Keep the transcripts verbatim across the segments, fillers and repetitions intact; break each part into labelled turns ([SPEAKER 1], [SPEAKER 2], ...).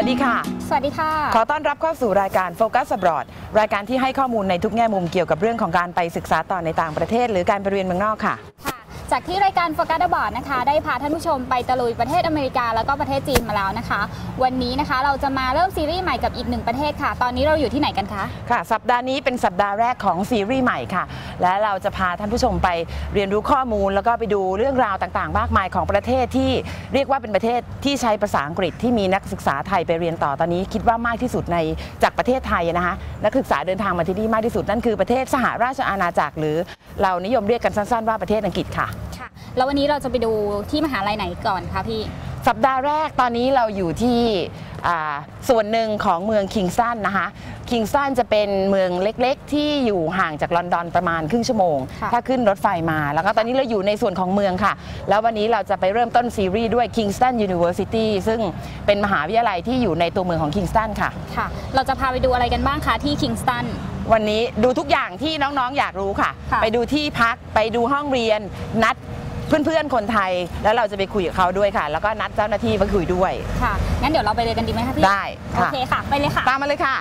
[SPEAKER 1] วัสดีค่ะ
[SPEAKER 2] สวัสดีค่ะ
[SPEAKER 1] ขอต้อนรับเข้าสู่รายการ Focus Abroad รายการที่ให้ข้อมูลในทุกแง่มุมเกี่ยวกับเรื่องของการไปศึกษาต่อในต่างประเทศหรือการไปเรียนเมืองนอกค่ะ
[SPEAKER 2] จากที่รายการ Focus Abroad นะคะได้พาท่านผู้ชมไปตะลุยประเทศอเมริกาแล้วก็ประเทศจีนมาแล้วนะคะวันนี้นะคะเราจะมาเริ่มซีรีส์ใหม่กับอีกหนึ่งประเทศค่ะตอนนี้เราอยู่ที่ไหนกันคะ
[SPEAKER 1] ค่ะสัปดาห์นี้เป็นสัปดาห์แรกของซีรีส์ใหม่ค่ะและเราจะพาท่านผู้ชมไปเรียนรู้ข้อมูลแล้วก็ไปดูเรื่องราวต่างๆมากมายของประเทศที่เรียกว่าเป็นประเทศที่ใช้ภาษาอังกฤษที่มีนักศึกษาไทยไปเรียนต่อตอนนี้คิดว่ามากที่สุดในจากประเทศไทยนะคะนักศึกษาเดินทางมาที่นี่มากที่สุดนั่นคือประเทศสหราชอาณาจักรหรือเรานิยมเรียกกันสั้นๆว่าประเทศอังกฤษค่ะ
[SPEAKER 2] ค่ะแล้ววันนี้เราจะไปดูที่มหาลัยไหนก่อนคะพี่
[SPEAKER 1] สัปดาห์แรกตอนนี้เราอยู่ที่ส่วนหนึ่งของเมืองคิงสตันนะคะคิงสตันจะเป็นเมืองเล็กๆที่อยู่ห่างจากลอนดอนประมาณครึ่งชั่วโมงถ้าขึ้นรถไฟมาแล้วก็ตอนนี้เราอยู่ในส่วนของเมืองค่ะแล้ววันนี้เราจะไปเริ่มต้นซีรีส์ด้วย Kingston University ซึ่งเป็นมหาวิทยาลัยที่อยู่ในตัวเมืองของคิงสตันค่ะ
[SPEAKER 2] ค่ะเราจะพาไปดูอะไรกันบ้างคะที่คิงสตัน
[SPEAKER 1] วันนี้ดูทุกอย่างที่น้องๆอยากรู้ค่ะไปดูที่พักไปดูห้องเรียนนัดเพื่อนๆคนไทยแล้วเราจะไปคุยกับเขาด้วยค่ะแล้วก็นัดเจ้าหน้าที่มาคุยด้วย
[SPEAKER 2] ค่ะงั้นเดี๋ยวเราไปเลยกันดีไหมคะพี่
[SPEAKER 1] ได้
[SPEAKER 2] โอเคค่ะไปเลยค่ะ
[SPEAKER 1] ตามมาเลยค่ะ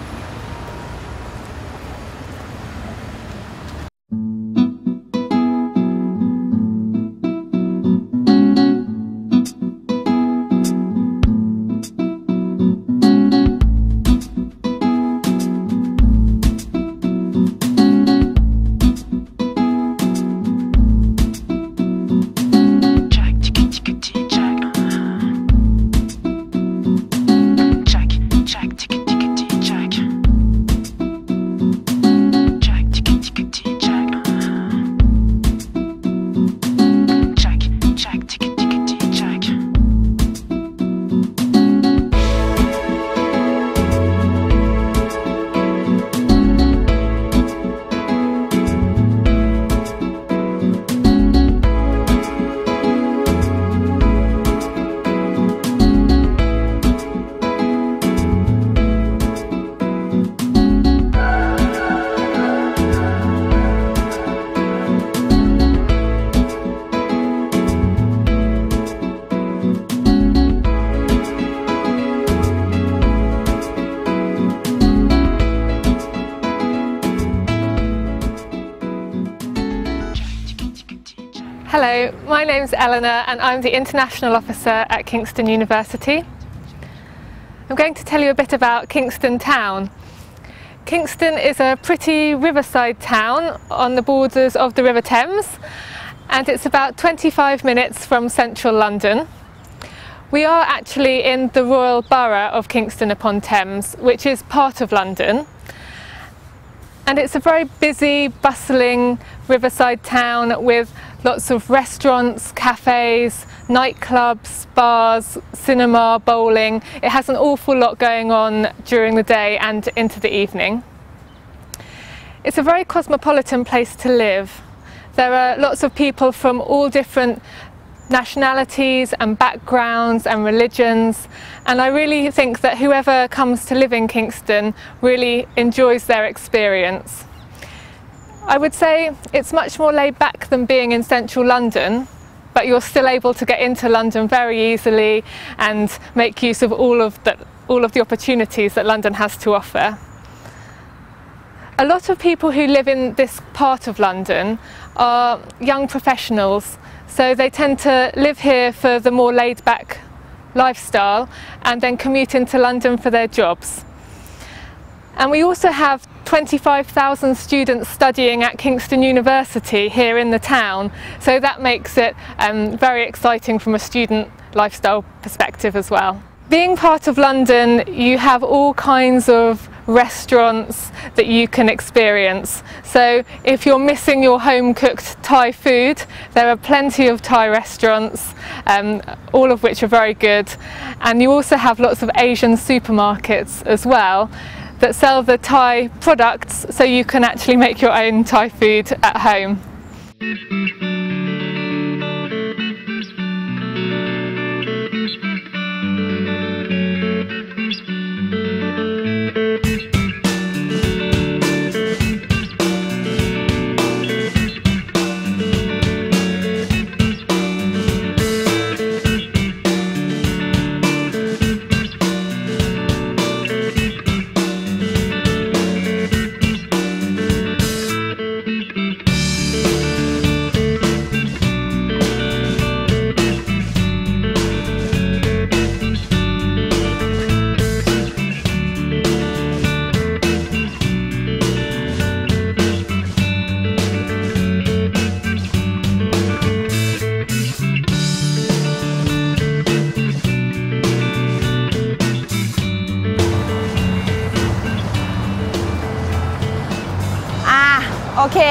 [SPEAKER 3] Hello, my name's Eleanor and I'm the International Officer at Kingston University. I'm going to tell you a bit about Kingston Town. Kingston is a pretty riverside town on the borders of the River Thames and it's about twenty-five minutes from central London. We are actually in the Royal Borough of Kingston upon Thames, which is part of London. And it's a very busy, bustling riverside town with lots of restaurants, cafes, nightclubs, bars, cinema, bowling. It has an awful lot going on during the day and into the evening. It's a very cosmopolitan place to live. There are lots of people from all different nationalities and backgrounds and religions, and I really think that whoever comes to live in Kingston really enjoys their experience. I would say it's much more laid back than being in central London, but you're still able to get into London very easily and make use of all of the, all of the opportunities that London has to offer. A lot of people who live in this part of London are young professionals, so they tend to live here for the more laid-back lifestyle and then commute into London for their jobs. And we also have twenty-five thousand students studying at Kingston University here in the town, so that makes it um, very exciting from a student lifestyle perspective as well. Being part of London, you have all kinds of restaurants that you can experience. So if you're missing your home-cooked Thai food, there are plenty of Thai restaurants, um, all of which are very good. And you also have lots of Asian supermarkets as well that sell the Thai products, so you can actually make your own Thai food at home.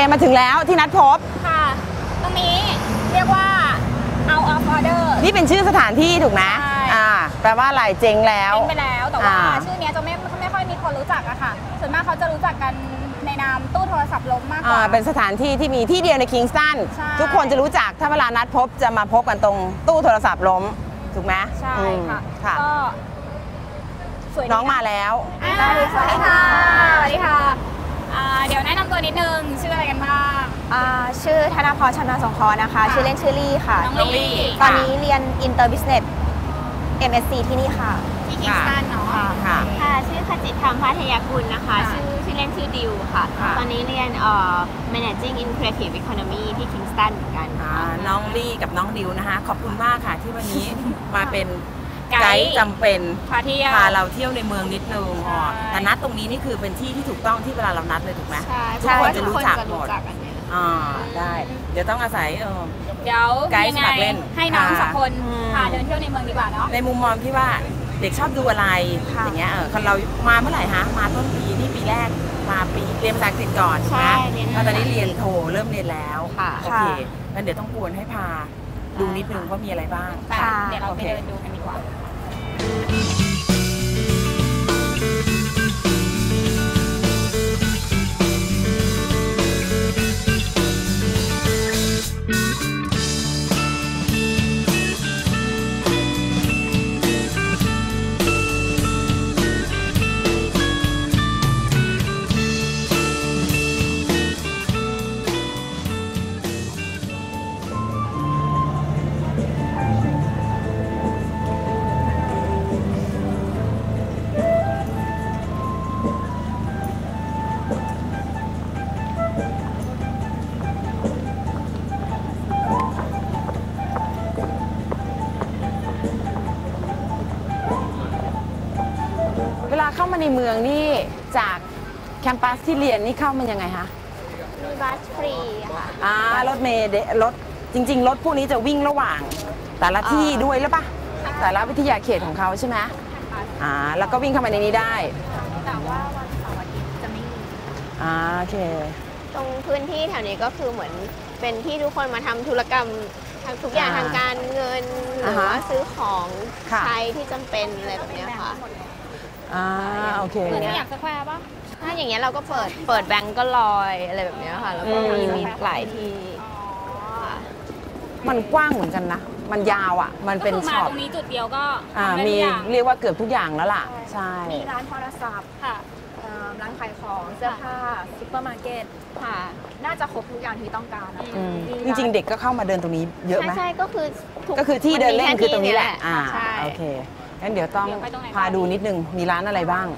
[SPEAKER 1] มาถึงแล้วที่นัดพบ
[SPEAKER 2] ค่ะตรงนี้เรียกว่า out of order
[SPEAKER 1] นี่เป็นชื่อสถานที่ถูกไหมอ่าแปลว่าอะไรเจ๊งแล้ว
[SPEAKER 2] เจ๊งไปแล้วแต่ว่าชื่อนี้จะไม่ไม่ค่อยมีคนรู้จักอะค่ะส่วนมากเขาจะรู้จักกันในนามตู้โทรศัพท์ล้มมากกว่า
[SPEAKER 1] เป็นสถานที่ที่มีที่เดียวในคิงสตันทุกคนจะรู้จักถ้าเวลานัดพบจะมาพบกันตรงตู้โทรศัพท์ล้มถูกไหม
[SPEAKER 2] ใช่ค่ะก็สวย
[SPEAKER 1] น้องมาแล้ว
[SPEAKER 2] สวัสดีค่ะสวัสดีค่ะเดี๋ยวแนะนำตัวนิดนึงชื่ออะไรกันบ้าง
[SPEAKER 4] ชื่อธนพรชำนาญสงเคราะห์นะคะชื่อเล่นชื่อลี่ค่ะ
[SPEAKER 2] น้องลี่
[SPEAKER 4] ตอนนี้เรียน Inter Business เอ็ม เอส ซี ที่นี่ค่ะ
[SPEAKER 2] ที่คิงสตันเนาะ
[SPEAKER 4] ค่ะชื่อขจิตธรรมพัทยากุลนะคะชื่อชื่อเล่นชื่อดิวค่ะตอนนี้เรียนเอ่อ Managing in Creative Economy ที่คิงสตันเหมือนกัน
[SPEAKER 1] น้องลี่กับน้องดิวนะคะขอบคุณมากค่ะที่วันนี้มาเป็นไกด์จำเป็นพาเราเที่ยวในเมืองนิดนึงแต่นัดตรงนี้นี่คือเป็นที่ที่ถูกต้องที่เวลาเรานัดเลยถูกไหมทุกคนจะรู้จักหมดอ่าได้เดี๋ยวต้องอาศัยเออ
[SPEAKER 2] เดี๋ยวไกด์สมัครเล่นให้น้องสักคนพาเดินเที่ยวในเมืองดีกว่าเนาะ
[SPEAKER 1] ในมุมมองที่ว่าเด็กชอบดูอะไรอย่างเงี้ยเออคนเรามาเมื่อไหร่ฮะมาต้นปีนี่ปีแรกมาปีเรียนภาษาอังกฤษก่อนนะตอนนี้เรียนโทเริ่มเรียนแล้วโอเคงั้นเดี๋ยวต้องกวนให้พาดูนิดนึงว่ามีอะไรบ้าง
[SPEAKER 2] เดี๋ยวเราไปเดินดูกันดีกว่า
[SPEAKER 1] เวลาเข้ามาในเมืองนี่จากแคมปัสที่เรียนนี่เข้ามันยังไงคะ
[SPEAKER 4] มีบัสฟรีค่ะ
[SPEAKER 1] อ่ารถเมล์รถจริงๆรถพวกนี้จะวิ่งระหว่างแต่ละที่ด้วยหรือปะแต่ละวิทยาเขตของเขาใช่ไหมอ่าแล้วก็วิ่งเข้ามาในนี้ได้
[SPEAKER 4] แต่ว่าวันเสาร์อาทิตย์จะไม่มี
[SPEAKER 1] อ่าโอเค
[SPEAKER 4] ตรงพื้นที่แถวนี้ก็คือเหมือนเป็นที่ทุกคนมาทำธุรกรรมทุกอย่างทางการเงินหรือว่าซื้อของใช้ที่จำเป็นอะไรแบบนี้ค่ะ
[SPEAKER 1] อ่าโอเค
[SPEAKER 2] เหมือนอยากสแควร์ป่ะ
[SPEAKER 4] ถ้าอย่างเงี้ยเราก็เปิดเปิดแบงก์ก็ลอยอะไรแบบนี้ค่ะแล้วก็มีมีหลายที่
[SPEAKER 1] มันกว้างเหมือนกันนะมันยาวอ่ะมันเป็นช็อป
[SPEAKER 2] ตรงนี้จุดเดียวก็
[SPEAKER 1] อ่ามีเรียกว่าเกือบทุกอย่างแล้วล่ะใช่
[SPEAKER 4] มีร้านโทรศัพท์ค่ะร้านขายของเสื้อผ้าซุปเปอร์มาร์เก็ตค่ะน่าจะครบทุกอย่างที่ต้องการนะ
[SPEAKER 1] จริงๆเด็กก็เข้ามาเดินตรงนี้เยอะไหม
[SPEAKER 4] ใช่ก็คือ
[SPEAKER 1] ก็คือที่เดินเล่นคือตรงนี้แหละอ่าโอเคงั้นเดี๋ยวต้องพาดูนิดนึงมีร้านอะไรบ้าง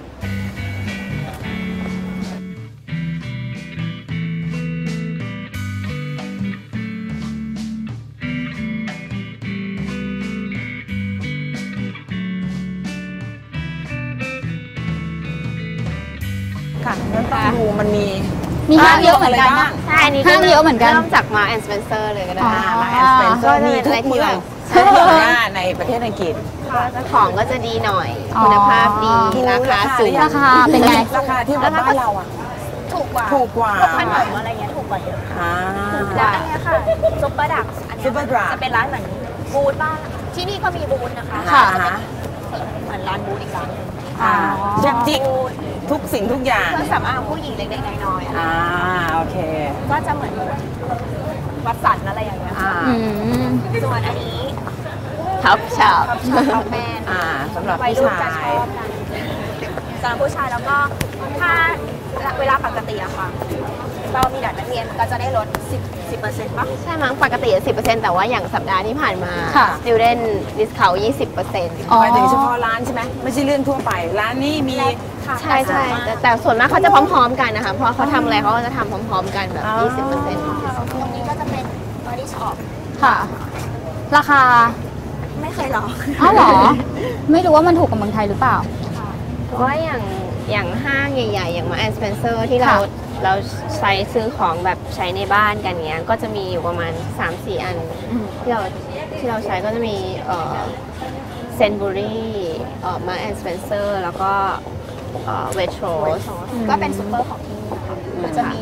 [SPEAKER 1] ค่ะงั้นต้องดูมันมี
[SPEAKER 2] มีห้างเยอะเหมือนกันนะ
[SPEAKER 4] ใช่นี่
[SPEAKER 2] ห้างเยอะเหมือนกัน
[SPEAKER 4] เริ่มจากมาแอนด์สเปนเซอร์เลยก็ได้
[SPEAKER 1] มาแอนด์สเปนเซอร์มีทุกเมืองในประเทศอังกฤษ
[SPEAKER 4] ของก็จะดีหน่อยคุณภาพดีราคาสูง
[SPEAKER 2] ราคาเป็นไง
[SPEAKER 1] ราคาที่บ้านเราอ่ะ
[SPEAKER 4] ถูกกว่า
[SPEAKER 1] ถูกกว่า
[SPEAKER 4] ขนมอะไรเงี้ยถูกกว่าเยอะแล้วอันนี้ค่ะซุปเปอร์ดักอันนี้จะเป็นร้านเหมือนบูธบ้านที่นี่ก็มีบูธนะคะเหมือนร้านบูธอีกร้านนึง
[SPEAKER 1] ทุกจิกทุกสิ่งทุกอย่าง
[SPEAKER 4] เครื่องสำอางผู้หญิงเล็กๆน้อย
[SPEAKER 1] ๆอ่าโอเค
[SPEAKER 4] ก็จะเหมือนวัดสันอะไรอย่างเงี้ยส่วนอันนี้ท็อปช็อปท็อปแมน
[SPEAKER 1] สำหรับผู้ชาย
[SPEAKER 4] สำหรับผู้ชายแล้วก็ถ้าเวลาปกติอะค่ะเรามีเด็กนักเรียนก็จะได้ลดสิบ สิบเปอร์เซ็นต์ ป่ะใช่มั้งปกติ สิบเปอร์เซ็นต์ แต่ว่าอย่างสัปดาห์ที่ผ่านมา student discount ยี่สิบเปอร์เซ็นต์
[SPEAKER 1] หมายถึงเฉพาะร้านใช่ไหมไม่ใช่เรื่องทั่วไปร้านนี้มี
[SPEAKER 4] ใช่ใช่แต่ส่วนมากเขาจะพร้อมๆกันนะคะเพราะเขาทำอะไรเขาก็จะทำพร้อมๆกันแบบ ยี่สิบเปอร์เซ็นต์ ตรงนี้ก็จะเป็น body shop
[SPEAKER 2] ค่ะราคา
[SPEAKER 4] ไม่เคยลอง
[SPEAKER 2] อ้าวเหรอไม่รู้ว่ามันถูกกับเมืองไทยหรือเปล่า
[SPEAKER 4] เพราะว่าอย่างอย่างห้างใหญ่ๆอย่างมาแอนด์สเปนเซอร์ที่เราเราใช้ซื้อของแบบใช้ในบ้านกันเงี้ยก็จะมีอยู่ประมาณ สามสี่ อันที่เราที่เราใช้ก็จะมีเอ่อเซนบูรี่เอ่อมาแอนด์สเปนเซอร์แล้วก็เอ่อเวทโรส
[SPEAKER 2] ก็เป็นซุปเปอร์ของที่นี่ค่ะจะมีเหมือน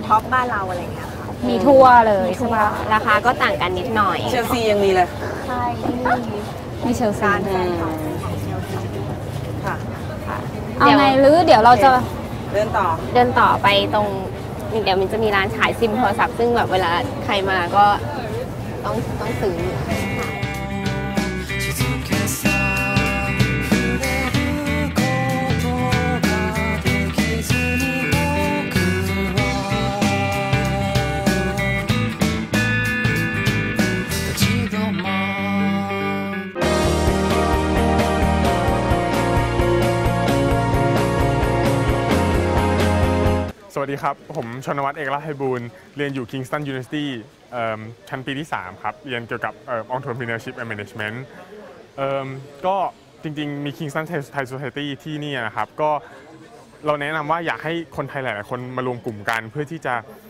[SPEAKER 5] ท็อปบ้านเราอะไรอย่างเงี้ยค่ะ
[SPEAKER 2] มีทั่วเลยใช่
[SPEAKER 5] ทั่ว
[SPEAKER 2] ปะ
[SPEAKER 4] ราคาก็ต่างกันนิดหน่อย
[SPEAKER 1] เชลซียังมีเลย
[SPEAKER 5] ใช่ที่นี่
[SPEAKER 2] มีเชลซี
[SPEAKER 5] การแฟนคลับของเชลซี
[SPEAKER 1] ค่ะ
[SPEAKER 2] เอาไงหรือเดี๋ยวเราจะ
[SPEAKER 1] เดินต่อ
[SPEAKER 4] เดินต่อไปตรงเดี๋ยวมันจะมีร้านขายซิมโทรศัพท์ซึ่งแบบเวลาใครมาก็ต้องต้องซื้อ
[SPEAKER 6] สวัสดีครับ ผมชนวัฒน์เอกลักษณ์ไพบูลย์เรียนอยู่ Kingston University ชั้นปีที่ สาม ครับ เรียนเกี่ยวกับ Entrepreneurship and Management ก็จริงๆมี Kingston Thai Society ที่นี่นะครับก็เราแนะนำว่าอยากให้คนไทยหลายๆคนมารวมกลุ่มกันเพื่อที่จะ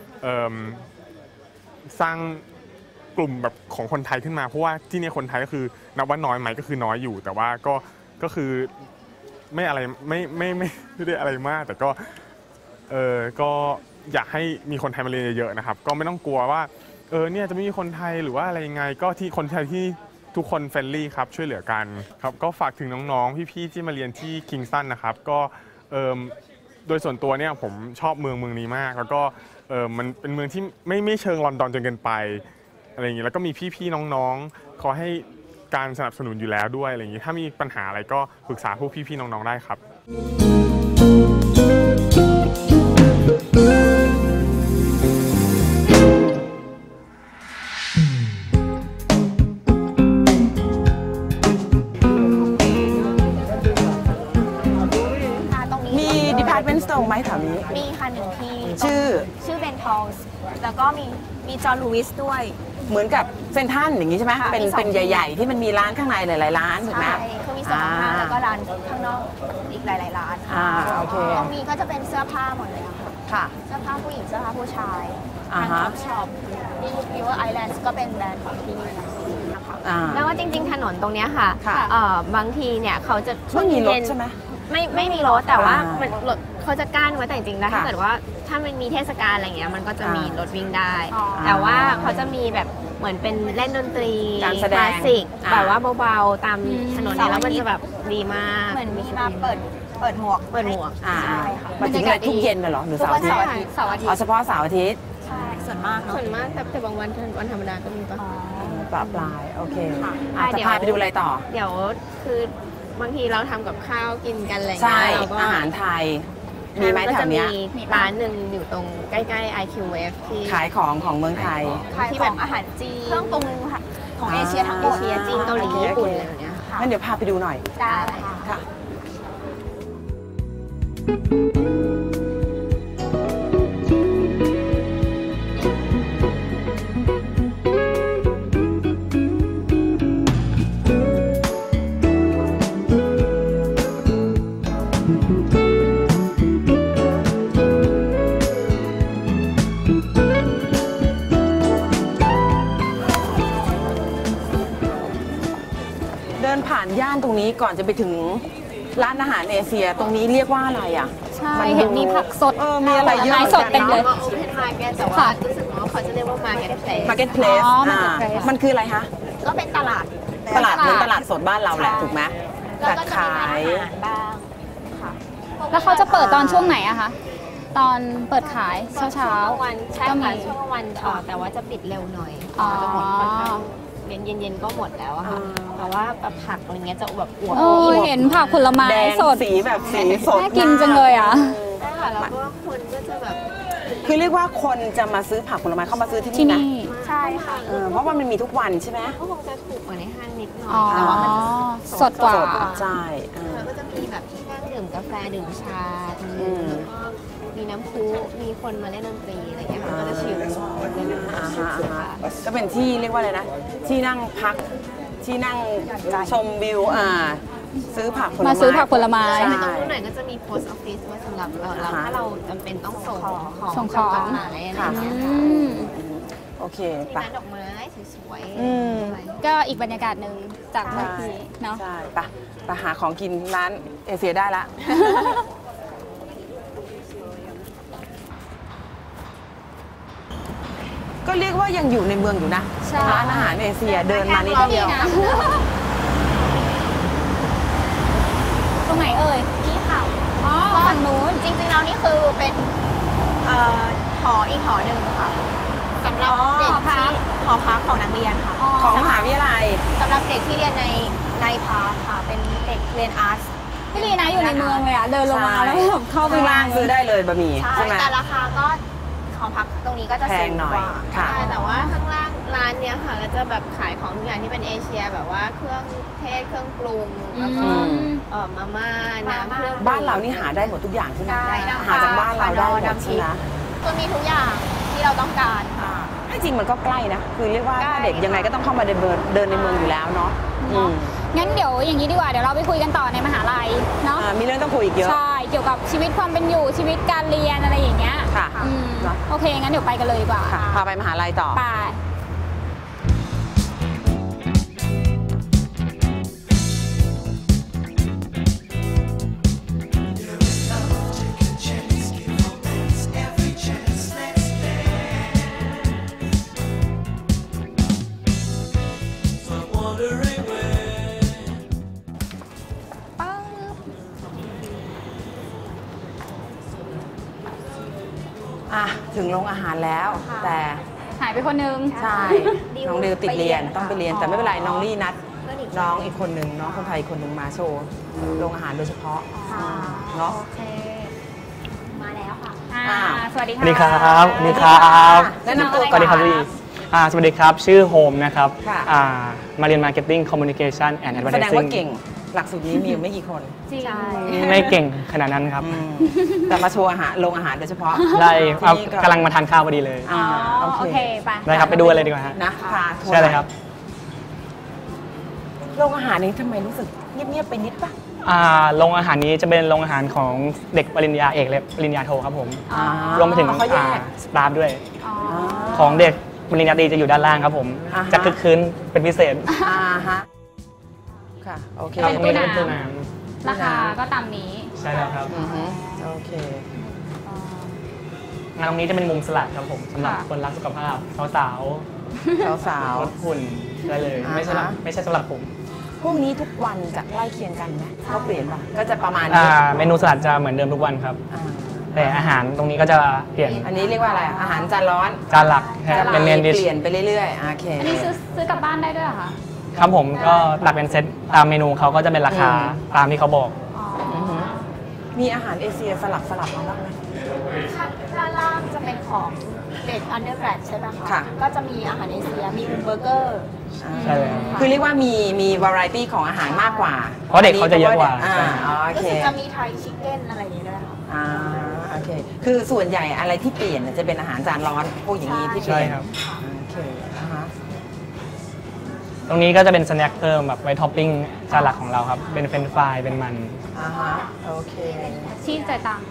[SPEAKER 6] สร้างกลุ่มแบบของคนไทยขึ้นมาเพราะว่าที่นี่คนไทยก็คือนับว่าน้อยไหมก็คือน้อยอยู่แต่ว่าก็ก็คือไม่อะไรไม่ไม่ไม่ไม่ได้อะไรมากแต่ก็เออก็อยากให้มีคนไทยมาเรียนเยอะๆนะครับก็ไม่ต้องกลัวว่าเออเนี่ยจะไม่มีคนไทยหรือว่าอะไรยังไงก็ที่คนไทยที่ทุกคนเฟรนลี่ครับช่วยเหลือกันครับก็ฝากถึงน้องๆพี่ๆที่มาเรียนที่ Kingston นะครับก็เออโดยส่วนตัวเนี่ยผมชอบเมืองเมืองนี้มากแล้วก็เออมันเป็นเมืองที่ไม่ไม่เชิงลอนดอนจนเกินไปอะไรอย่างนี้แล้วก็มีพี่ๆน้องๆขอให้การสนับสนุนอยู่แล้วด้วยอะไรอย่างนี้ถ้ามีปัญหาอะไรก็ปรึกษาพวกพี่ๆน้องๆได้ครับ
[SPEAKER 1] Department Store ไหมแถวนี้
[SPEAKER 5] มีค่ะหนึ่งที่
[SPEAKER 1] ชื่อ
[SPEAKER 5] ชื่อเบนทอลส์แล้วก็มีมีจอห์นลูวิสด้วย
[SPEAKER 1] เหมือนกับเซนทรัลอย่างนี้ใช่ไหม
[SPEAKER 5] ค่ะ
[SPEAKER 1] เป็น
[SPEAKER 5] มีสอง
[SPEAKER 1] เป็นใหญ่ๆ ที่มันมีร้านข้างในหลายๆร้านถูกไหม
[SPEAKER 5] ใช่คือมีสองร้านแล้วก็ร้านข้างนอกอีกหลายๆร้าน
[SPEAKER 1] อ่าโอเค
[SPEAKER 5] ตรงนี้ก็จะเป็นเสื้อผ้าหมดเลยอะค่ะ
[SPEAKER 1] ค่ะ
[SPEAKER 5] เสื้อผ้าผู้หญิงเสื้อผ้าผู้ชาย
[SPEAKER 1] อ่า
[SPEAKER 5] ทาง
[SPEAKER 1] ฮะ
[SPEAKER 5] ท็อปช็อปที่วิวไอแลนด์ก็เป็นแบรนด์ของที่นี่นะคะ
[SPEAKER 1] อ่า
[SPEAKER 4] แล้วว่าจริงๆถนนตรงเนี้ยค่ะ
[SPEAKER 1] ค่ะ
[SPEAKER 4] เอ่อบางทีเนี่ยเขาจะช่ว
[SPEAKER 1] ไม่
[SPEAKER 4] ง
[SPEAKER 1] มีรถ
[SPEAKER 4] เย็น
[SPEAKER 1] ใช่ไหม
[SPEAKER 4] ไม่ไม่มีรถแต่ว่า
[SPEAKER 1] อ่ามั
[SPEAKER 4] มันรถเขาจะกั้นไว้แต่จริงๆแล้วถ้า
[SPEAKER 1] ค่ะ
[SPEAKER 4] เกิดว่าถ้ามันมีเทศกาลอะไรเงี้ยมันก็จะมี
[SPEAKER 1] อ่าร
[SPEAKER 4] ถวิ่งได้
[SPEAKER 5] อ๋อ
[SPEAKER 4] แต่ว่าเขาจะมีแบบเหมือนเป็นเล่นดนตรี
[SPEAKER 1] การแสดง
[SPEAKER 4] คลาสสิก
[SPEAKER 1] อ่า
[SPEAKER 4] แบบว่าเบาๆตาม
[SPEAKER 2] อืม
[SPEAKER 4] ถนนเนี่ยแล้วมันจะแบบดีมาก
[SPEAKER 5] เหมือนมีมาเปิดเปิดหมวก
[SPEAKER 4] เปิดหมวก
[SPEAKER 1] อ่า
[SPEAKER 5] ใช่ค่ะ
[SPEAKER 1] มาถึงอะไรทุกเย็นเลยเหรอหรือเสาร์อาทิตย์
[SPEAKER 5] ทุกวันเสาร์อาทิตย์
[SPEAKER 1] อ๋อเฉพาะเสาร์อาทิตย์
[SPEAKER 5] ใช่ส่วนมากเนาะ
[SPEAKER 4] ส่วนมากแต่แต่บางวันวันธรรมดาก็มีปะ
[SPEAKER 1] ปลาปลายโอเค
[SPEAKER 5] ค่ะ
[SPEAKER 1] อ่ะจะพาไปดูอะไรต่อ
[SPEAKER 4] เดี๋ยวคือบางทีเราทำกับข้าวกินกันอะไร
[SPEAKER 1] ใช่
[SPEAKER 4] เงี้ยเราก็
[SPEAKER 1] อาหารไทย มีไหมแถวเนี้ย
[SPEAKER 4] มีร้านหนึ่งอยู่ตรงใกล้ๆ ไอ คิว เอฟ ที่
[SPEAKER 1] ขายของของเมืองไทย
[SPEAKER 5] ขายของอาหารจีนเครื่องปรุงค่ะของเอเชียทั้งหม
[SPEAKER 4] เอ
[SPEAKER 5] ด
[SPEAKER 4] เชียจีนเกาหลีญี่ปุ่นอะไรแบบเนี้ย
[SPEAKER 5] ค่ะ
[SPEAKER 1] งั้นเดี๋ยวพาไปดูหน่อย
[SPEAKER 5] ได้ค่ะ
[SPEAKER 1] ค่ะ เดินผ่านย่านตรงนี้ก่อนจะไปถึงร้านอาหารเอเชียตรงนี้เรียกว่าอะไรอ่ะ
[SPEAKER 2] ใช่
[SPEAKER 1] มันดู
[SPEAKER 2] เห็นมีผักสด
[SPEAKER 1] เออมีอะไรเยอะ
[SPEAKER 2] ผลไม้สดเต็มเลย
[SPEAKER 4] โอเพนมาร์เก็ตแต่ว่ารู้สึกว่าเขาจะเรียกว่ามาร์เก็ตเพลส
[SPEAKER 1] Marketplace
[SPEAKER 2] อ๋อ
[SPEAKER 1] อ่า
[SPEAKER 2] Marketplace
[SPEAKER 1] มันคืออะไรคะ
[SPEAKER 5] ก็เป็นตลาด
[SPEAKER 1] ตลาดเหมือนตลาดสดบ้านเราแหละ
[SPEAKER 5] ใช่
[SPEAKER 1] ถูกไหม
[SPEAKER 5] แล้ว
[SPEAKER 1] แต่
[SPEAKER 5] ก็จะ
[SPEAKER 1] ขาย
[SPEAKER 5] มีร้านอาหารบ้างค่ะ
[SPEAKER 2] แล้วเขาจะเปิดตอนช่วงไหนอะคะ ตอนเปิดขายเช้าเช้า
[SPEAKER 4] ช่วงวันใช่
[SPEAKER 2] ก็มี
[SPEAKER 4] ค่ะช่วงวันเอ่อแต่ว่าจะปิดเร็วหน่อย
[SPEAKER 2] อ๋อ
[SPEAKER 4] จะหมดค่อนข้างเย็นเย็นๆก็หมดแล้วอะค่ะแต่ว่าแบบผักอะไรเงี้ยจะแบบอวบ
[SPEAKER 2] เออเห็นผักผลไม้
[SPEAKER 1] แดง
[SPEAKER 2] สด
[SPEAKER 1] สีแบบสีสด
[SPEAKER 2] น่ากินจังเลยอะ
[SPEAKER 4] ใช่ค่ะแล้วก็คนก็จะแบบ
[SPEAKER 1] คือเรียกว่าคนจะมาซื้อผักผลไม้เข้ามาซื้อที่
[SPEAKER 2] ที่
[SPEAKER 1] นี่นะ
[SPEAKER 2] นี่
[SPEAKER 5] ใช่ค่ะ
[SPEAKER 1] เออเพราะว่ามันมีทุกวันใช่ไหม
[SPEAKER 4] ก็คงจะถูกกว่าในห้างนิดหน่อ
[SPEAKER 2] อ๋อย
[SPEAKER 4] แต่ว่ามัน
[SPEAKER 2] สดกว่า
[SPEAKER 1] สดใช่เออ
[SPEAKER 4] แล้วก็จะมีแบบที่นั่งดื่มกาแฟดื่มชาตรง
[SPEAKER 1] อื
[SPEAKER 4] นี้
[SPEAKER 1] ม
[SPEAKER 4] แล้วก็มีน้ำพุมีคนมาเล่นดนตรีอะไรเงี้ยค่ะก็จะชิลเล่น
[SPEAKER 1] อ่าฮะอ่าฮะก็เป็นที่เรียกว่าอะไรนะ ที่นั่งพักที่นั่งชมวิวอ่าซื้อผักผลไม้
[SPEAKER 2] มาซื้อผักผลไม้
[SPEAKER 1] ใช่
[SPEAKER 4] ตรงนู้นหน่อยก็จะมี post office ไว้สำหรับเราเรา
[SPEAKER 1] อ่าฮะ
[SPEAKER 4] ถ้าเราจำเป็นต้องส่งของ
[SPEAKER 2] ส่งของ
[SPEAKER 4] จดหมายอะไร
[SPEAKER 1] ค่ะ
[SPEAKER 4] เงี้ย
[SPEAKER 2] อืม
[SPEAKER 1] โอเค
[SPEAKER 4] มี
[SPEAKER 1] ไป
[SPEAKER 4] ร้านดอกไม้สวย
[SPEAKER 1] อืม
[SPEAKER 4] ๆอะไร
[SPEAKER 2] ก็อีกบรรยากาศหนึ่งจากเมื่อกี้เนาะ
[SPEAKER 1] ใช่ไปไปหาของกินร้านเอเชียได้ละก็เรียกว่ายังอยู่ในเมืองอยู่นะ
[SPEAKER 2] ใช่
[SPEAKER 1] ร้านอาหารเอเชียเดินมานิดเดียว
[SPEAKER 2] ตรงไหนเอ่ย
[SPEAKER 5] นี่ค่ะ
[SPEAKER 2] อ๋อฝั่งนู้น
[SPEAKER 5] จริงๆแล้วนี่คือเป็นเอ่อหออีกหอหนึ่งค่ะสำหรับเด็กที่หอพักของนักเรียนค่ะ
[SPEAKER 1] ของมหาวิทยาลัย
[SPEAKER 5] สำหรับเด็กที่เรียนในในพาร์ทค่ะเป็นเด็กเรียนอาร์ต
[SPEAKER 2] พี่ลีนะอยู่ในเมืองเลยอะเดินลงมาแล้วแบบเข้าไป
[SPEAKER 1] ข้างล่างซื้อได้เลยบะหมี่
[SPEAKER 5] ใช่
[SPEAKER 1] ใช่ไหม
[SPEAKER 5] แต่ราคาก็หอพักตรงนี้ก็จะ
[SPEAKER 1] แพ
[SPEAKER 5] สู
[SPEAKER 1] ง
[SPEAKER 5] ง
[SPEAKER 1] หน่อย
[SPEAKER 5] กว่า
[SPEAKER 1] ค่ะ
[SPEAKER 4] ใช่แต่ว่าข้างล่างร้านเนี้ยค่ะก็จะแบบขายของทุกอย่างที่เป็นเอเชียแบบว่าเครื่องเทศเครื่องปรุงแล้วก็เอ่อมาม่าน้ำเครื่อง
[SPEAKER 1] บ้านเรานี่หาได้หมดทุกอย่างใช่ไหม
[SPEAKER 5] ได้นะคะ
[SPEAKER 1] หาจากบ้านเราได้หมด
[SPEAKER 5] น้ำพริ
[SPEAKER 1] ใช่
[SPEAKER 5] ก
[SPEAKER 1] ไหม
[SPEAKER 5] คือมีทุกอย่างที่เราต้องการค่ะ
[SPEAKER 1] ให้จริงมันก็ใกล้นะ คือเรียกว่า
[SPEAKER 5] ใกล้
[SPEAKER 1] ถ้าเด็กยังไงก็ต้องเข้ามาเดินเดินเดินในเมืองอยู่แล้วเนาะอืม
[SPEAKER 2] งั้นเดี๋ยวอย่างนี้ดีกว่าเดี๋ยวเราไปคุยกันต่อในมหาลัยเนาะ
[SPEAKER 1] อ่ามีเรื่องต้องคุยอีกเยอะ
[SPEAKER 2] ใช่เกี่ยวกับชีวิตความเป็นอยู่ชีวิตการเรียนอะไรอย่างเงี้ย
[SPEAKER 1] ค่ะ
[SPEAKER 2] อืม
[SPEAKER 1] เนอะ
[SPEAKER 2] โอเคงั้นเดี๋ยวไปกันเลยดีกว่า
[SPEAKER 1] ค่ะ พาไปมหาลัยต่อ
[SPEAKER 2] ไป
[SPEAKER 1] อ่ะ ถึงโรงอาหารแล้ว แต่
[SPEAKER 2] หายไปคนนึง
[SPEAKER 1] ใช่ น้องดิวติดเรียนต้องไปเรียน แต่ไม่เป็นไร น้องลี่นัด น้องอีกคนหนึ่งน้องคนไทยคนหนึ่งมาโชว์โรงอาหารโดยเฉพาะเนาะ
[SPEAKER 2] โอเค
[SPEAKER 5] มาแล้วค่ะ
[SPEAKER 2] อ่า
[SPEAKER 1] อ้าว
[SPEAKER 2] สวัสดี
[SPEAKER 7] ส
[SPEAKER 2] ค่ะ
[SPEAKER 7] วัสดีครับสวัสดีครับ
[SPEAKER 1] แนะนำตัว
[SPEAKER 7] สวัสดีครับพี่อ่าสวัสดีครับ ชื่อโฮมนะครับ
[SPEAKER 1] ค่ะ
[SPEAKER 7] อ่ามาเรียน Marketing Communication and
[SPEAKER 1] แสดงว่า
[SPEAKER 7] Advertising
[SPEAKER 1] เก่ง หลักสูตรนี้มีอยู่ไม่กี่คน
[SPEAKER 2] จริง
[SPEAKER 7] ไม่เก่งขนาดนั้นครับ
[SPEAKER 1] อืมแต่มาโชว์อาหารโรงอาหารโดยเฉพาะ
[SPEAKER 7] ได้เอา
[SPEAKER 1] ที่นี่
[SPEAKER 7] กำลังมาทานข้าวพอดีเลย
[SPEAKER 1] อ่า
[SPEAKER 2] อ๋อ
[SPEAKER 1] โอ
[SPEAKER 2] โอ
[SPEAKER 1] เค
[SPEAKER 2] เคไป
[SPEAKER 7] ได้ครับ ไปดูกันเลยดีกว่าฮะ
[SPEAKER 1] นะพาทัวร์
[SPEAKER 7] ใช่เลยครับ
[SPEAKER 1] โรงอาหารนี้ทำไมรู้สึกเงียบๆไปนิดปะ
[SPEAKER 7] อ่าโรงอาหารนี้จะเป็นโรงอาหารของเด็กปริญญาเอกและปริญญาโทครับผม
[SPEAKER 1] อ่าร
[SPEAKER 7] วมไปถึง
[SPEAKER 1] เขาแยก
[SPEAKER 7] สตาฟด้วย
[SPEAKER 2] อ๋อ
[SPEAKER 7] ของเด็กปริญญาตรีจะอยู่ด้านล่างครับผม
[SPEAKER 1] อ่าฮะ
[SPEAKER 7] จะคึกคืนเป็นพิเศษ
[SPEAKER 1] อ่าฮะ ค่ะ โอเค
[SPEAKER 7] ครับ
[SPEAKER 2] เป็น
[SPEAKER 7] ตรง
[SPEAKER 2] ตู้
[SPEAKER 7] นี้
[SPEAKER 2] น้ำ
[SPEAKER 7] เป็นตู้น้
[SPEAKER 2] ราคาก็ตามนี้
[SPEAKER 7] ำใช่แล้วครับ
[SPEAKER 1] อือฮึโอเค
[SPEAKER 7] งานตรงนี้จะเป็นมุมสลัดครับผมสำหรับ
[SPEAKER 2] ค่ะ
[SPEAKER 7] คนรักสุขภาพสาว
[SPEAKER 1] สาว
[SPEAKER 7] ๆลดหุ่นได้เลย
[SPEAKER 1] อ่าฮะ
[SPEAKER 7] ไม่ใช่สำหรับไม่ใช่สำหรับผม
[SPEAKER 1] ๆ พวกนี้ทุกวันจะใกล้เคียงกันไหมเขาเปลี่ยนปะก็จะประมาณ
[SPEAKER 7] อ่า
[SPEAKER 1] นี้
[SPEAKER 7] เมนูสลัดจะเหมือนเดิมทุกวันครับ
[SPEAKER 1] อ่า
[SPEAKER 7] แต่อาหารตรงนี้ก็จะเปลี่ยน
[SPEAKER 1] อันนี้เรียกว่าอะไรอ่ะอาหารจานร้อน
[SPEAKER 7] จานหลัก
[SPEAKER 1] จะ
[SPEAKER 7] เป็นเมนดิช
[SPEAKER 1] เปลี่ยนไปเรื่อยๆ โอเค
[SPEAKER 2] อันนี้ซื้อซื้อกลับบ้านได้ด้วยเหรอคะ
[SPEAKER 7] ครับผมก็หลักเป็นเซตตามเมนูเขาก็จะเป็นราคา
[SPEAKER 1] อืม
[SPEAKER 7] ตามที่เขาบอก
[SPEAKER 2] อ๋อ
[SPEAKER 1] อือฮึมีอาหารเอเชียสลับสลับมาบ้างไหม
[SPEAKER 5] ด้านล่างจะเป็นของเด็กอันเดอร์แกรดใช่ไหมคะ
[SPEAKER 1] ค่ะ
[SPEAKER 5] ก็จะมีอาหารเอเชีย มีเบอร์เกอร์
[SPEAKER 7] ใช่เลย
[SPEAKER 1] คือเรียกว่ามีมีวาไรตี้ของอาหารมากกว่า
[SPEAKER 7] เพราะเด็กเขาจะเยอะกว่า
[SPEAKER 1] อ่าอ๋อโอ
[SPEAKER 5] ก็
[SPEAKER 1] เค
[SPEAKER 5] คือจะมีไทยชิคเก้นอะไรอย่างเงี้ยด้วยค่ะ
[SPEAKER 1] อ่าโอเค คือส่วนใหญ่อะไรที่เปลี่ยนเนี่ยจะเป็นอาหารจานร้อนพวกอย่างนี้ที่เป
[SPEAKER 7] ใช่
[SPEAKER 1] ลี่ยน
[SPEAKER 7] ครับ
[SPEAKER 1] โอเคอ่าฮะ
[SPEAKER 7] ตรงนี้ก็จะเป็นสแน็คเพิ่มแบบไว้ท็อปปิ้งจานหลักของเราครับ เป็นเฟรนช์ฟรายเป็นมัน
[SPEAKER 1] อ่าฮะโอเค
[SPEAKER 2] ชีสจ่ายตังค์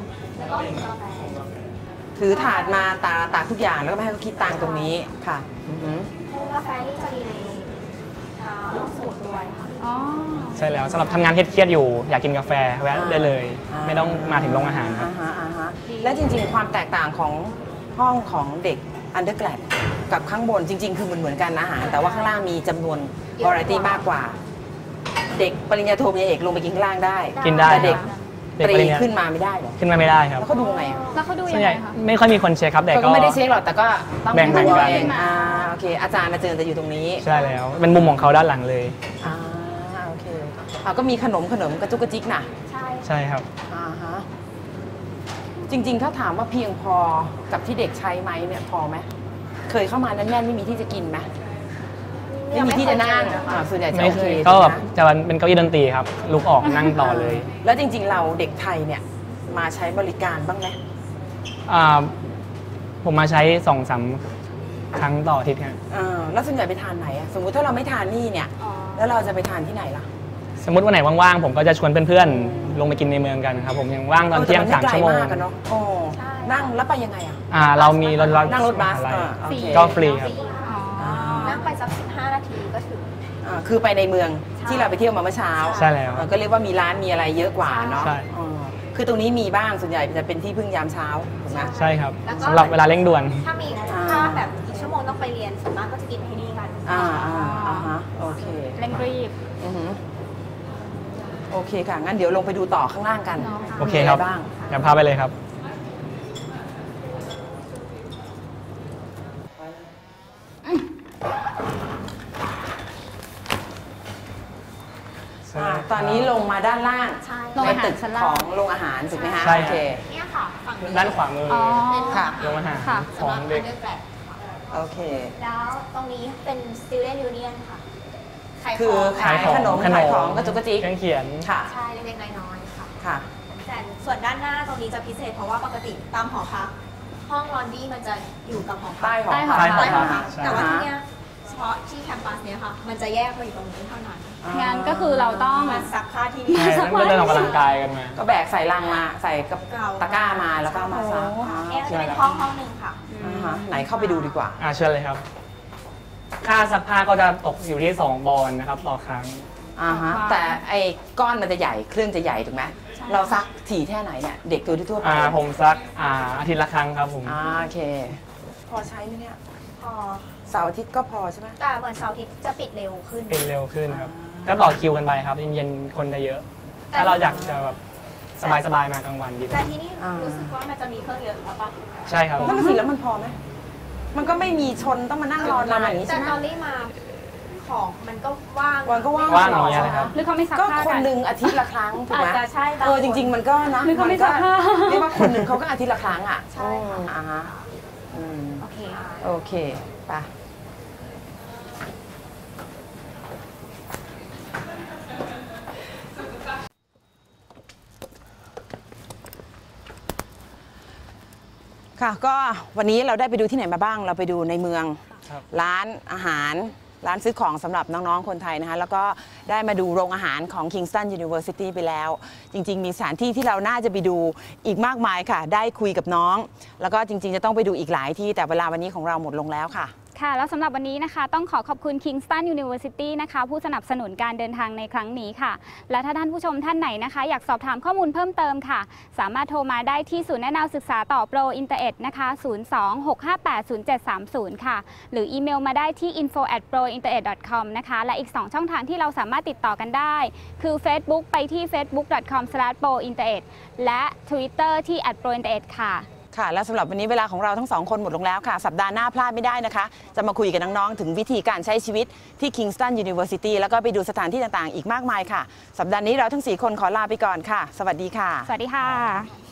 [SPEAKER 1] ถือถาดมาตาตากทุกอย่างแล้วก็ไม่ให้เขาคิดตังค์ตรงนี้ค่ะอือฮึ
[SPEAKER 5] กาแฟนี่จะมีในห้องสมุดด้วยค่ะ
[SPEAKER 2] อ๋อ
[SPEAKER 7] ใช่แล้วสำหรับทำงานเครียดๆอยู่ อยากกินกาแฟแวะได้เลย ไม่ต้องมาถึงโรงอาหารครับ
[SPEAKER 1] อ่าฮะอ่าฮะและจริงๆ ความแตกต่างของห้องของเด็กอันเดอร์แกรดกับข้างบนจริง ๆ คือมันเหมือนกันอาหาร แต่ว่าข้างล่างมีจำนวนวาไรตี้มากกว่า เด็กปริญญาโทปริญญาเอกลงไปกินข้างล่างได้
[SPEAKER 7] กินได้
[SPEAKER 1] แต่เด็ก
[SPEAKER 7] เด็ก
[SPEAKER 1] ต
[SPEAKER 7] ป
[SPEAKER 1] รี
[SPEAKER 7] ริญญา
[SPEAKER 1] ขึ้นมาไม่ได้เหรอ
[SPEAKER 7] ขึ้นมาไม่ได้ครับ
[SPEAKER 1] แล้วเขาดูไงอะ
[SPEAKER 2] แล้วเขาดู
[SPEAKER 7] ส่
[SPEAKER 2] ยั
[SPEAKER 7] วน
[SPEAKER 2] ง
[SPEAKER 7] ให
[SPEAKER 2] ไง
[SPEAKER 7] ญ่
[SPEAKER 2] คะ
[SPEAKER 7] ไม่ค่อยมีคนเช็คครับแต่
[SPEAKER 1] เขา
[SPEAKER 7] ก็
[SPEAKER 1] ก็ไม่ได้เช็คหรอกแต่ก็ต้อง
[SPEAKER 7] แบ่งกัน
[SPEAKER 1] ดู
[SPEAKER 7] กัน
[SPEAKER 1] เองอ่าโอเค อาจารย์อาจารย์จะอยู่ตรงนี้
[SPEAKER 7] ใช่แล้ว เป็นมุมของเขาด้านหลังเลย
[SPEAKER 1] อ่าโอเคอ่าก็มีขนมขนมกระจุกกระจิกน่ะ
[SPEAKER 5] ใช่
[SPEAKER 7] ใช่ครับ
[SPEAKER 1] อ่าฮะจริง ๆ ถ้าถามว่าเพียงพอกับที่เด็กใช้ไหมเนี่ยพอไหมเคยเข้ามาแน่นๆไม่มีที่จะกินไหมไม่มีที่จะนั่งอ่าส่วนใหญ่จะ
[SPEAKER 7] ไม่
[SPEAKER 1] โอ
[SPEAKER 7] เค
[SPEAKER 1] เค
[SPEAKER 7] ยก็แบบ
[SPEAKER 1] ใช่ไหม
[SPEAKER 7] จะเป็นเก้าอี้ดนตรีครับลุกออกนั่งต่อเลย
[SPEAKER 1] แล้วจริง ๆ เราเด็กไทยเนี่ยมาใช้บริการบ้างไหม
[SPEAKER 7] อ่าผมมาใช้สองสามครั้งต่ออาทิตย์ครับ
[SPEAKER 1] เออแล้วส่วนใหญ่ไปทานไหนอะสมมุติถ้าเราไม่ทานนี่เนี่ย
[SPEAKER 5] อ๋อ
[SPEAKER 1] แล้วเราจะไปทานที่ไหนล่ะ
[SPEAKER 7] สมมติวันไหนว่างๆ ผมก็จะชวนเพื่อนๆ ลงไปกินในเมืองกันครับผมยังว่างตอนเที่ยง
[SPEAKER 1] แต่
[SPEAKER 7] สาม
[SPEAKER 1] ไไกล
[SPEAKER 7] ชั่วโมง
[SPEAKER 1] กอะเนาะโอ้นั่งแล้วไปยังไงอะ
[SPEAKER 7] อ่าเรามีรถบัส
[SPEAKER 1] นั่งรถบัส
[SPEAKER 7] อะไร
[SPEAKER 1] อ่าโอเค
[SPEAKER 7] ก็ฟรีครับ
[SPEAKER 2] อ๋อ
[SPEAKER 5] นั่งไปสักสิบห้านาทีก็ถึง
[SPEAKER 1] อ่าคือไปในเมืองที่เราไปเที่ยวมาเมื่อเช้า
[SPEAKER 7] ใช่แล้ว
[SPEAKER 1] อ่าก็เรียกว่ามีร้านมีอะไรเยอะกว่าเนาะ
[SPEAKER 7] ใช่
[SPEAKER 1] อ๋อคือตรงนี้มีบ้างส่วนใหญ่จะเป็นที่พึ่งยามเช้าถูกไหม
[SPEAKER 7] ใช่ครับ
[SPEAKER 5] แล้วก็
[SPEAKER 7] สำหรับเวลาเร่งด่วน
[SPEAKER 5] ถ้ามี
[SPEAKER 1] อ่า
[SPEAKER 5] ถ้าแบบอีกชั่วโมงต้องรียนส่วนมากก็จะกินที่นี่กัน
[SPEAKER 1] อ่าอ่าอ่าฮะโอเค
[SPEAKER 2] เร่งรีบ
[SPEAKER 1] อือหือโอเคค่ะ งั้นเดี๋ยวลงไปดูต่อข้างล่างกัน
[SPEAKER 7] โอเคครับ
[SPEAKER 1] มีะไบ้าง
[SPEAKER 7] เดี๋ยวพาไปเลยครับ
[SPEAKER 1] อ่าตอนนี้ลงมาด้านล่าง
[SPEAKER 5] ใช่
[SPEAKER 2] โรง
[SPEAKER 1] ใน
[SPEAKER 2] อาหาร
[SPEAKER 1] ตึก
[SPEAKER 2] ชั้นล่าง
[SPEAKER 1] ของโรงอาหารถูกไหมคะ
[SPEAKER 7] ใช่
[SPEAKER 1] โอเค
[SPEAKER 5] เนี่ยค่ะฝั่งนี้
[SPEAKER 7] ด้านขวามือ
[SPEAKER 2] อ๋อ
[SPEAKER 1] ค่ะ
[SPEAKER 7] โรงอาหาร
[SPEAKER 2] ค่ะ
[SPEAKER 7] ของเด็ก
[SPEAKER 5] เลือกแปลก
[SPEAKER 1] โอเค
[SPEAKER 5] แล้วตรงนี้เป็น student union ค่ะขาย
[SPEAKER 1] คือ
[SPEAKER 5] ของ
[SPEAKER 1] ขายขนมขายของกระจุกกระจิก
[SPEAKER 7] เครื่องเขียน
[SPEAKER 1] ค่ะ
[SPEAKER 5] ใช่เล็กๆน้อยๆค่ะ
[SPEAKER 1] ค่ะ
[SPEAKER 5] แต่ส่วนด้านหน้าตรงนี้จะพิเศษเพราะว่าปกติตามหอพักห้องลอนดี้มันจะอยู่กับหอพัก
[SPEAKER 1] ใต้หอ
[SPEAKER 2] ใต้หอ
[SPEAKER 1] พัก
[SPEAKER 7] ใต้
[SPEAKER 5] ใต้หอ
[SPEAKER 7] พั
[SPEAKER 5] พั
[SPEAKER 7] ก
[SPEAKER 5] ก
[SPEAKER 7] ใช่
[SPEAKER 5] แต่ว่าที่เนี้ยเฉพาะที่แคมปัสเนี้ยค่ะ มันจะแยกมาอยู่ตรงนี้เท่านั้น
[SPEAKER 1] อ่าง
[SPEAKER 2] านก็คือเราต้อง
[SPEAKER 5] มาซักผ้าที่นี่
[SPEAKER 7] ใช่แล้วก็เดินออกกำลังกายกันมา
[SPEAKER 1] ก็แบกใส่ลังมาใส่กับตะกร้ามาแล้วก็เอามาซักอ่า
[SPEAKER 5] เนี่ยจะเป็นห้องห้องหนึ่งค่ะ
[SPEAKER 1] อ่าฮะไหนเข้าไปดูดีกว่า
[SPEAKER 7] อ่าเชิญเลยครับ ค่าซักผ้าก็จะตกอยู่ที่สองบอลนะครับต่อครั้ง
[SPEAKER 1] อ่าฮะแต่ไอ้ก้อนมันจะใหญ่เครื่องจะใหญ่ถูกไหมเราซักถี่แค่ไหนเนี่ยเด็กตัวทั่วไป
[SPEAKER 7] อ่าผมซักอ่าอาทิตย์ละครั้งครับผม
[SPEAKER 1] อ่าโอเค พอใช้ไหมเนี่ย
[SPEAKER 5] พอ
[SPEAKER 1] เสาร์อาทิตย์ก็พอใช่ไหม
[SPEAKER 5] แต่เหมือนเสาร์อาทิตย์จะปิดเร็วขึ้น
[SPEAKER 7] เป็นเร็วขึ้นครับก็ต่อคิวกันไปครับเย็นๆคนจะเยอะ ถ้าเราอยากจะแบบสบายๆมากลางวันดีก
[SPEAKER 5] แต่
[SPEAKER 7] ว่า
[SPEAKER 5] ที่นี่รู้สึกว่ามันจะมีเครื่องเยอะหรือเปล่า
[SPEAKER 7] ใช่ครับ
[SPEAKER 1] นั่นสิแล้วมันพอไหมมันก็ไม่มีชนต้องมานั่งรอนานอย่างนี้
[SPEAKER 5] แต่
[SPEAKER 1] ใช่ไหม
[SPEAKER 5] ตอนนี้มาของมันก็ว่าง
[SPEAKER 1] วันก็ว่าง
[SPEAKER 7] ว่างอย่างเงี้ยนะครับ
[SPEAKER 2] หรือเขาไม่ซัก
[SPEAKER 1] ก็
[SPEAKER 2] ผ้า
[SPEAKER 1] คน
[SPEAKER 2] กัน
[SPEAKER 1] หนึ่งอาทิตย์ละครั้งถูกไหม
[SPEAKER 5] อาจจะใช่บาง
[SPEAKER 1] เออจริง ๆ มันก็นะ
[SPEAKER 2] หรือเขาไม่
[SPEAKER 1] นก็
[SPEAKER 2] ซักผ้า
[SPEAKER 1] เรียกว่าคนหนึ่งเขาก็อาทิตย์ละครั้งอ่ะ
[SPEAKER 5] ใช่ค่ะ
[SPEAKER 1] อ่าฮะอืม
[SPEAKER 5] โอเค
[SPEAKER 1] โอเคไปค่ะก็วันนี้เราได้ไปดูที่ไหนมาบ้าง เราไปดูในเมือง
[SPEAKER 7] ครับ
[SPEAKER 1] ร้านอาหารร้านซื้อของสำหรับน้องๆคนไทยนะคะแล้วก็ได้มาดูโรงอาหารของ Kingston University ไปแล้ว จริงๆ มีสถานที่ที่เราน่าจะไปดูอีกมากมายค่ะ ได้คุยกับน้อง แล้วก็จริงๆจะต้องไปดูอีกหลายที่แต่เวลาวันนี้ของเราหมดลงแล้วค่ะ
[SPEAKER 2] ค่ะแล้วสำหรับวันนี้นะคะต้องขอขอบคุณ Kingston University นะคะผู้สนับสนุนการเดินทางในครั้งนี้ค่ะและถ้าท่านผู้ชมท่านไหนนะคะอยากสอบถามข้อมูลเพิ่มเติมค่ะสามารถโทรมาได้ที่ศูนย์แนะนำศึกษาต่อโปรอินเตอร์เอ็ดนะคะ ศูนย์ สอง หก ห้า แปด ศูนย์ เจ็ด สาม ศูนย์ ค่ะหรืออีเมลมาได้ที่ อินโฟ แอท โปรอินเตอร์เอ็ด ดอท คอม นะคะและอีก สอง ช่องทางที่เราสามารถติดต่อกันได้คือ Facebook ไปที่ เฟซบุ๊ก ดอท คอม สแลช โปรอินเตอร์เอ็ด และ Twitter ที่ แอท โปรอินเตอร์เอ็ด ค่ะ
[SPEAKER 1] ค่ะและสำหรับวันนี้เวลาของเราทั้งสองคนหมดลงแล้วค่ะ สัปดาห์หน้าพลาดไม่ได้นะคะ จะมาคุยกับน้องๆถึงวิธีการใช้ชีวิตที่ Kingston University แล้วก็ไปดูสถานที่ต่างๆ อีกมากมายค่ะ สัปดาห์นี้เราทั้งสี่คนขอลาไปก่อนค่ะ สวัสดีค่ะ
[SPEAKER 2] สวัสดีค่ะ